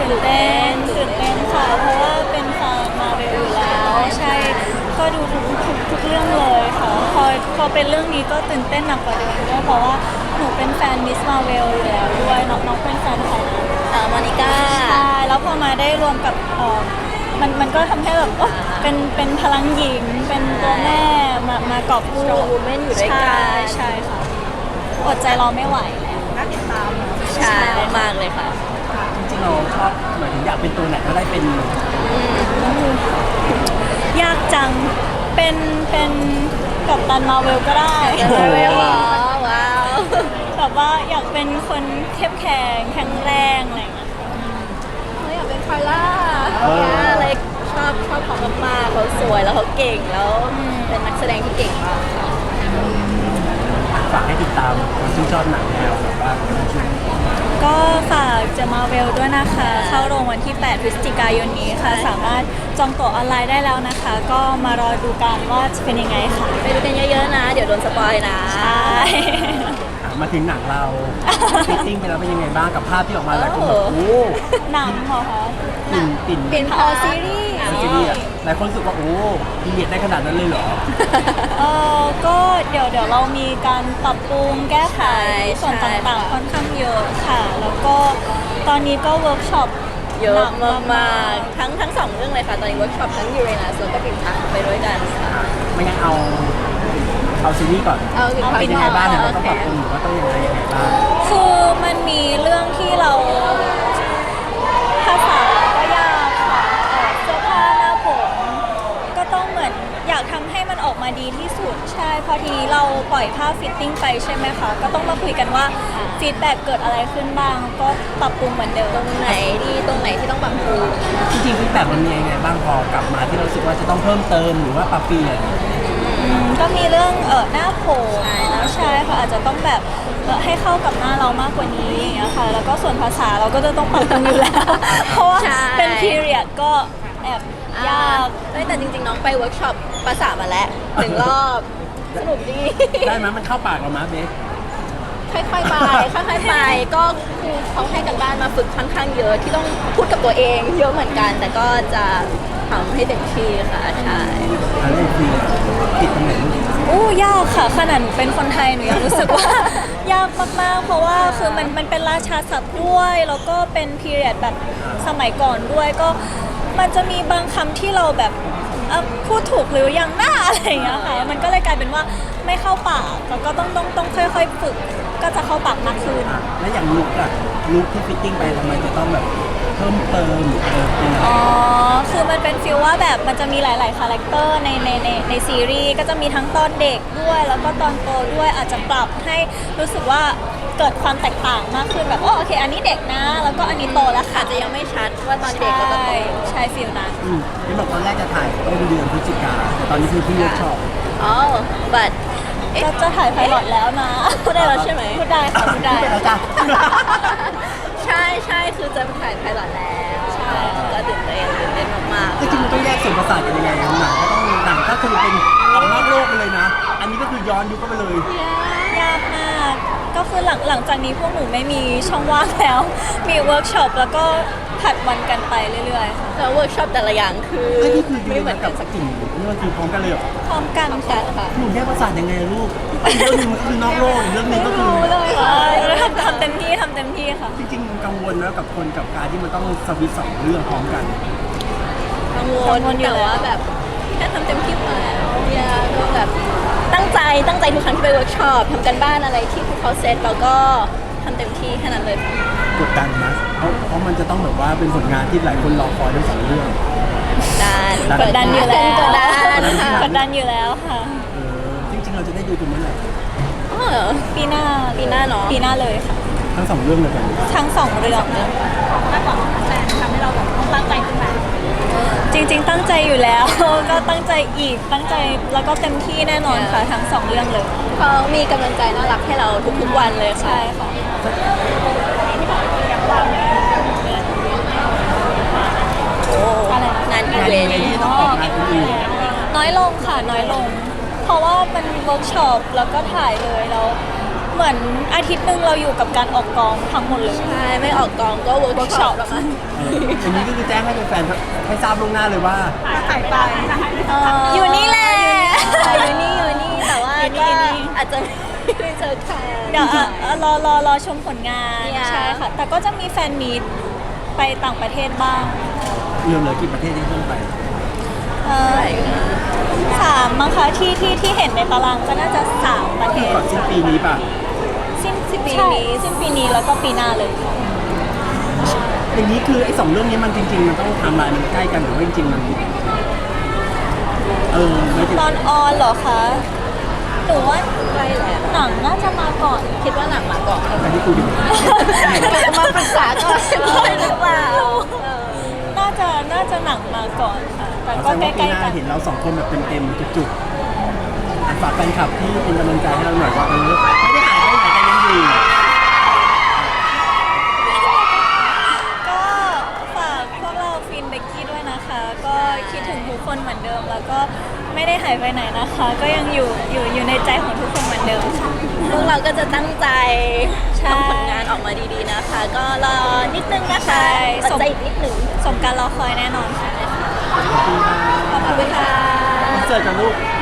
ตื่นเต้นค่ะเพราะว่าเป็นแฟนมาเวลอยู่แล้วใช่ก็ดูทุกเรื่องเลยค่ะพอเป็นเรื่องนี้ก็ตื่นเต้นหนักกว่าเดิมด้วยเพราะว่าหนูเป็นแฟนมิสมาเวลอยู่แล้วด้วยน้องเป็นแฟนใครนะมานิก้าใช่แล้วพอมาได้รวมกับมันก็ทำให้แบบเป็นพลังหญิงเป็นตัวแม่มากอบกู้ Strong Woman อยู่ด้วยกันใช่ค่ะอดใจรอไม่ไหวแล้วน่าติดตามใช่มากเลยค่ะจริงๆเราชอบหมายถึงอยากเป็นตัวไหนก็ได้เป็นยากจังเป็นกัปตันมาเวลก็ได้มาเวลเหรอว้าวแบบว่าอยากเป็นคนเข้มแข็งแข็งแรงอะไรอย่างเงี้ยเขาอยากเป็นคาร่าอะไรชอบเขามากๆเขาสวยแล้วเขาเก่งแล้วเป็นนักแสดงที่เก่งมากค่ะฝากให้ติดตามคนที่ชอบหนังแนวแบบว่าก็ฝากจะมาเวลด้วยนะคะ เข้าโรงวันที่ 8 พฤศจิกายนนี้ค่ะ สามารถจองตั๋วออนไลน์ได้แล้วนะคะ ก็มารอดูกันว่าจะเป็นยังไงค่ะไปดูกันเยอะๆนะ เดี๋ยวโดนสปอยนะใช่มาถึงหนังเราฟิตติ้งไปแล้วเป็นยังไงบ้างกับภาพที่ออกมาหลายคนแบบโอ้หนังเหรอคะปิ่นเป็นซีรีส์ซีรีส์อะหลายคนรู้สึกว่าโอ้ดีเลียดได้ขนาดนั้นเลยเหรอก็เดี๋ยวเรามีการปรับปรุงแก้ไขส่วนต่างๆค่อนข้างเยอะค่ะ แล้วก็ตอนนี้ก็เวิร์กช็อปเยอะมากๆทั้งสองเรื่องเลยค่ะ ตอนนี้เวิร์กช็อปทั้งยูเรนัสแล้วก็ปิ่นพักไปด้วยกันค่ะไม่งั้นเอาซีรีส์ก่อนเป็นยังไงบ้างเนี่ยเราต้องปรับปรุงหรือว่าต้องยังไงบ้างคือมันมีเรื่องที่เราภาษาก็ยากค่ะเสื้อผ้าหน้าผมก็ต้องเหมือนอยากทำให้มันออกมาดีที่สุดใช่พอทีนี้เราปล่อยภาพฟิตติ้งไปใช่ไหมคะก็ต้องมาคุยกันว่าฟีดแบ็กเกิดอะไรขึ้นบ้างก็ปรับปรุงเหมือนเดิมตรงไหนที่ต้องปรับปรุงจริงๆฟีดแบ็กมันมียังไงบ้างพอกลับมาที่เรารู้สึกว่าจะต้องเพิ่มเติมหรือว่าปรับเปลี่ยนก็มีเรื่องหน้าผมใช่ค่ะอาจจะต้องแบบให้เข้ากับหน้าเรามากกว่านี้อย่างเงี้ยค่ะแล้วก็ส่วนภาษาเราก็จะต้องปรับปรุงอยู่แล้วเพราะว่าเป็นพีเรียดก็แอบยากแต่จริงๆน้องไปเวิร์กช็อปภาษามาแล้ว1 รอบสนุกดีได้ไหมมันเข้าปากเราไหมเบสค่อยๆไปก็คือเขาให้กันบ้านมาฝึกค่อนข้างเยอะที่ต้องพูดกับตัวเองเยอะเหมือนกัน แต่ก็จะทำให้เต็มที่ค่ะใช่อันนี้คือติดตรงไหนยากค่ะขนาดหนูเป็นคนไทยหนูยังรู้สึกว่า ยากมากๆเพราะว่าคือมันเป็นราชาศัพท์ด้วยแล้วก็เป็นพีเรียดแบบสมัยก่อนด้วยก็มันจะมีบางคำที่เราแบบพูดถูกหรือยังหน้าอะไรอย่างเงี้ยค่ะมันก็เลยกลายเป็นว่าไม่เข้าปากแล้วก็ต้องค่อยๆฝึกก็จะเข้าปากมากขึ้นแล้วอย่างลุคที่ฟิตติ้งไปทำไมจะต้องแบบเพิ่มเติมหรือยังไงคือมันเป็นฟีลว่าแบบมันจะมีหลายๆคาแรคเตอร์ในซีรีส์ก็จะมีทั้งตอนเด็กด้วยแล้วก็ตอนโตด้วยอาจจะปรับให้รู้สึกว่าเกิดความแตกต่างมากขึ้นแบบโอเคอันนี้เด็กนะแล้วก็อันนี้โตแล้วค่ะจะยังไม่ชัดว่าตอนเด็กก็ต้องใช่ฟีลนั้นที่บอกตอนแรกจะถ่ายต้นเดือนพฤศจิกาแต่ตอนนี้คือพี่เวิร์กช็อป but จะถ่ายไพลอตแล้วนะพูดได้แล้วใช่ไหมพูดได้ค่ะพูดได้แล้วจ้ะใช่คือจะถ่ายไพลอตแล้วใช่ก็ตื่นเต้นมากๆจริงๆมันต้องแยกส่วนประสาทกันยังไงหนังก็คือเป็นออกนอกโลกไปเลยนะอันนี้ก็คือย้อนยุคเข้าไปเลยยากมากก็คือหลังจากนี้พวกหนูไม่มีช่องว่างแล้วมีเวิร์กช็อปแล้วก็ผัดวันกันไปเรื่อยๆแล้วเวิร์กช็อปแต่ละอย่างคือไม่เหมือนกับสักกิ่งนี่มันคือพร้อมกันเลยเหรอพร้อมกันค่ะหนูแยกประสาทยังไงลูกเรื่องนึงคือนอกโลกเรื่องนึงก็คือทำเต็มที่ค่ะจริงๆกังวลนะกับคนกับการที่มันต้องสวิตช์2 เรื่องพร้อมกันกังวลแต่ว่าแบบแค่ทำเต็มที่มาแล้วก็แบบตั้งใจทุกครั้งที่ไปเวิร์กช็อปทำกันบ้านอะไรที่พวกเขาเซตแล้วก็ทำเต็มที่แค่นั้นเลยกดดันนะเพราะมันจะต้องแบบว่าเป็นผลงานที่หลายคนรอคอยทั้ง2 เรื่องกดดันอยู่แล้วค่ะจริงๆเราจะได้ดูตรงนั้นแหละปีหน้าเนาะปีหน้าเลยค่ะทั้ง2 เรื่องเลยกันทั้ง2 เรื่องมากกว่าแต่ทำให้เราแบบต้องตั้งใจขึ้นมาจริงๆตั้งใจอยู่แล้วก็ตั้งใจอีกตั้งใจแล้วก็เต็มที่แน่นอนค่ะทั้ง2 เรื่องเลยเขามีกำลังใจน่ารักให้เราทุกๆวันเลยใช่ค่ะงานอีเวนต์น้อยลงค่ะน้อยลงเพราะว่าเป็นเวิร์กช็อปแล้วก็ถ่ายเลยแล้วเหมือนอาทิตย์หนึ่งเราอยู่กับการออกกองทั้งหมดเลยใช่ไม่ออกกองก็เวิร์กช็อปประมาณอย่างนี้ก็คือแจ้งให้แฟนๆให้ทราบล่วงหน้าเลยว่าหายไปอยู่นี่แหละอยู่นี่แต่ว่าอยู่นี่ก็อยู่นี่อาจจะไม่ได้เจอใครเดี๋ยวรอชมผลงาน Yeah ใช่ค่ะ แต่ก็จะมีแฟนมีตไปต่างประเทศบ้างเหลือกี่ประเทศที่ต้องไปสามมั้งคะที่เห็นในตารางก็น่าจะสามประเทศก่อนสิ้นปีนี้ป่ะสิ้นปีนี้สิ้นปีนี้แล้วก็ปีหน้าเลยอย่างนี้คือไอ้สองเรื่องนี้มันจริงๆมันต้องไทำลายมันใกล้กันหรือว่าจริงๆมันไม่ถึงตอนออนเหรอคะหนูว่าใกล้แล้วหนังน่าจะมาก่อนคิดว่าหนังมาก่อนแต่ที่กูดูมาปรึกษาก่อนด้วยหรือเปล่าน่าจะหนังมาก่อนค่ะ แต่ก็แสดงใกว่าปีล้หน้าๆกันเห็นเราสองคนแบบเต็มๆจุกๆฝากแฟนคลับที่เป็นกำลังใจให้เราหน่อยว่าไม่ได้หายไปไหนกันยังอยู่ก็ฝากพวกเราฟินเบกกี้ด้วยนะคะ ก็คิดถึงทุกคนเหมือนเดิม แล้วก็ไม่ได้หายไปไหนนะคะ ก็ยังอยู่ในใจของทุกคนเหมือนเดิมค่ะพวกเราก็จะตั้งใจใช่ทำผลงานออกมาดีๆนะคะ ก็รอนิดนึงนะคะใช่อดใจอีกนิดนึงสมการรอคอยแน่นอนค่ะขอบคุณค่ะขอบคุณค่ะเจอกันลูก